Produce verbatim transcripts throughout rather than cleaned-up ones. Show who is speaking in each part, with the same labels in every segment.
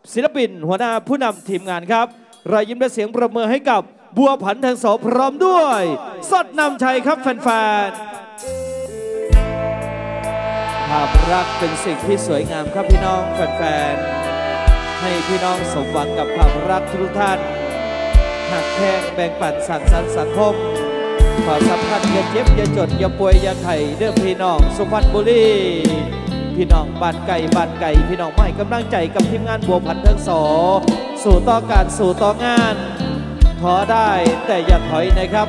Speaker 1: ศิลปินหัวหน้าผู้นำทีมงานครับรายยิ้มและเสียงประเมินให้กับบัวผันแทงโสพร้อมด้วยสดนำชัยครับแฟนๆภาพรักเป็นสิ่งที่สวยงามครับพี่น้องแฟนๆให้พี่น้องสมหวังกับความรักทุกท่านหักแข้งแบ่งปันสร้างสรรค์สังคมขอสัมพันธ์อย่าเจ็บอย่าจดอย่าป่วยอย่าไข้เด้อพี่น้องสุพรรณบุรีพี่น้องบ้านไก่บ้านไก่พี่น้องไม่กำลังใจกับทีมงานบัวผันแทงโสสู่ต่อการสู่ต่องานขอได้แต่อย่าถอยนะครับ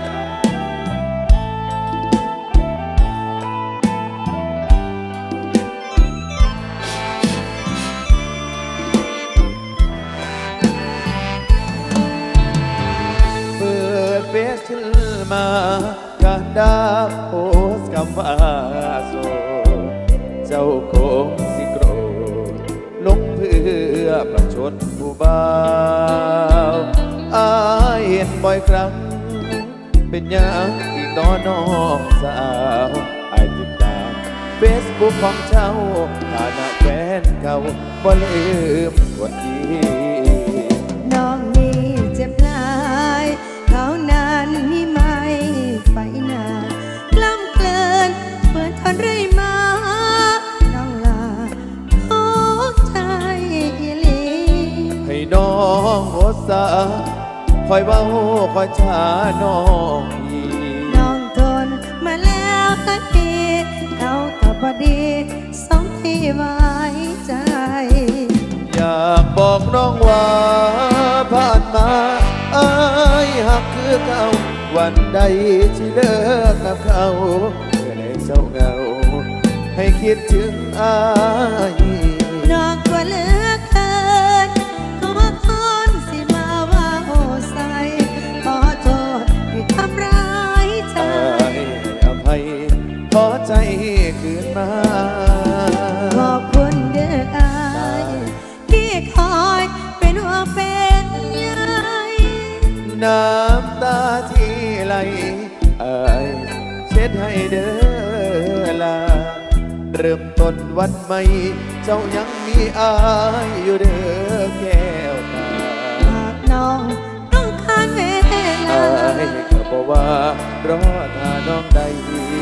Speaker 2: เปิดเฟซขึ้นมาการดาโพสคำว่าโสเจ้าคงสิโกรธลงเพื่อประชดผู้บ่าวอายเห็นบ่อยครั้งเป็นอย่างอีกน้อน้องสาวอายติดตามเฟซบุ๊กของเจ้าฐานะแฟนเก่าบ่ลืมกดอี
Speaker 3: น้องนี่เจ็บหลายเขานั้นนี่ไม่ไปนากล้ำเกินเปิดทนไรมาน้องลาโอ้ใจอีหลี
Speaker 2: ให้น้องโอสาคอยเว้าคอยช้าน้องอี
Speaker 3: น้องทนมาแล้วก็ดีเขาก็พอดีสองที่ไว้ใจ
Speaker 2: อยากบอกน้องว่าผ่านมาอายหักคือเก่าวันใดที่เลิกกับเขาเมื่อได้เศร้าเหงาให้คิดถึงอาย
Speaker 3: น้องกลัวเหลือเกินขอพรสิมาว่าโอ้ใสขอโทษที่ทำร้ายใจ
Speaker 2: อภัยขอใจคืนมา
Speaker 3: ขอบคุณเด้ออายที่คอยเป็นหัวเป็นใย
Speaker 2: น้ำตาที่ไหลอายเช็ดให้เด้อลาเริ่มต้นวันใหม่เจ้ายังมีอายอยู่เด้อแก้วตา
Speaker 3: หากน้องต้องการเวลา
Speaker 2: อายก็บอกว่ารอถ้าน้องได้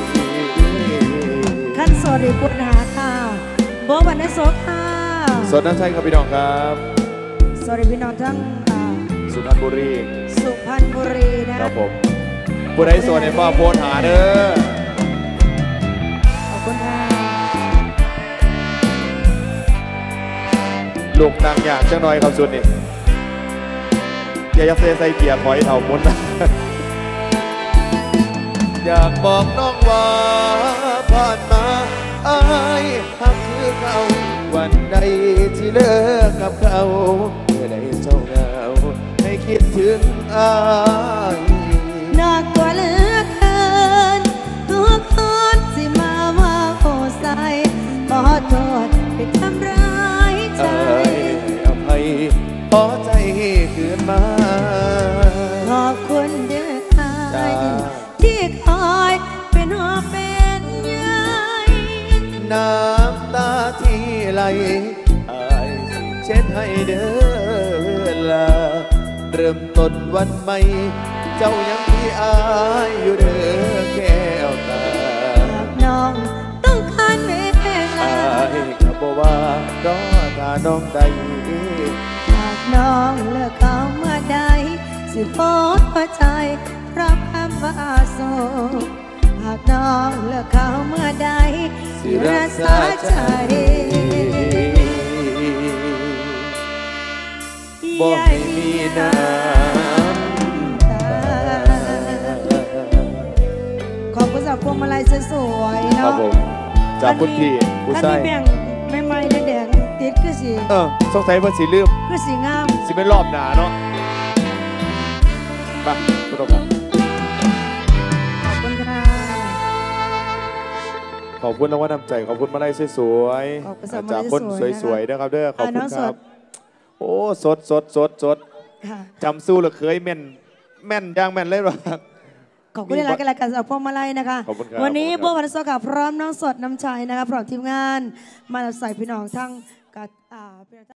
Speaker 3: ขั้นสวัสดีคุณหาค่ะบัวผันแทงโสค่ะ
Speaker 2: สดน้ำชัยครับพี่น้องครับ
Speaker 3: สวัสดีพี่น้องทั้ง
Speaker 2: สุพรรณบุรี
Speaker 3: สุพรรณบุรีนะครับ
Speaker 2: ผมผู้ใดสวนในฟ้าโพสหาเด้อ
Speaker 3: ขอบคุณค่ะ
Speaker 2: ลูกนางอยากจังหน่อยครับสุดนี่อย่ายักเซใส่เกียร์ถอยเท่ามุนนะอยากบอกน้องว่าผ่านมาอายหักคือเขาวันใดที่เลิกกับเขาเมื่อใดเศร้าเหงาให้คิดถึงอาย
Speaker 3: น่ากลัวเหลือเกินทุกคนสิมาว่าโอ้ใสขอโทษที่ทำร้ายใจ
Speaker 2: อภัยขอใจคืนมา
Speaker 3: ขอบคุณเด้ออายที่คอยเป็นหัวเป็นใย
Speaker 2: น้ำตาที่ไหลอายสิเช็ดให้เด้อลาเริ่มต้นวันใหม่เจ้ายังมีอายอยู่เด้อแก้วตา
Speaker 3: หากน้องต้องการเวลา
Speaker 2: อายก็บอกว่ารอถ้าน้องได้
Speaker 3: หากน้องเลิกเขาเมื่อใดสิโพสต์หัวใจรับคำว่าโสดหากน้องเลิกเขาเมื่อใดสิรักษาใจ
Speaker 2: บ่ให้มีน้ำตา
Speaker 3: ขอบคุณสำหรับพวงมาลัยสวยๆเนาะ
Speaker 2: จากคุณพี่ผู้ชาย
Speaker 3: แบ่งไม่ไม่แดงติดคือสี
Speaker 2: เออสงสัยเพิ่นสีลืม
Speaker 3: คือสีงาม
Speaker 2: สีเป็นรอบหนาเนาะไปคุณผู้ชม
Speaker 3: ขอบคุณค่ะ
Speaker 2: ขอบคุณรางวัลน้ำใจขอบคุณมาลัยสวยๆจากคนสวยๆนะครับเด้อขอบคุณครับโอ้สดสดสดสดจำสู้หรือเคยแม่นแม่นย่างแม่นเลยหรอ
Speaker 3: ขอบคุณที่รักกันแล้วกันสำหรับพวงมาลัยนะคะวันนี้บัวผันแทงโสกับพร้อมน้องสดน้ำชัยนะคะพร้อมทีมงานมาใส่พี่น้องทั้งกับ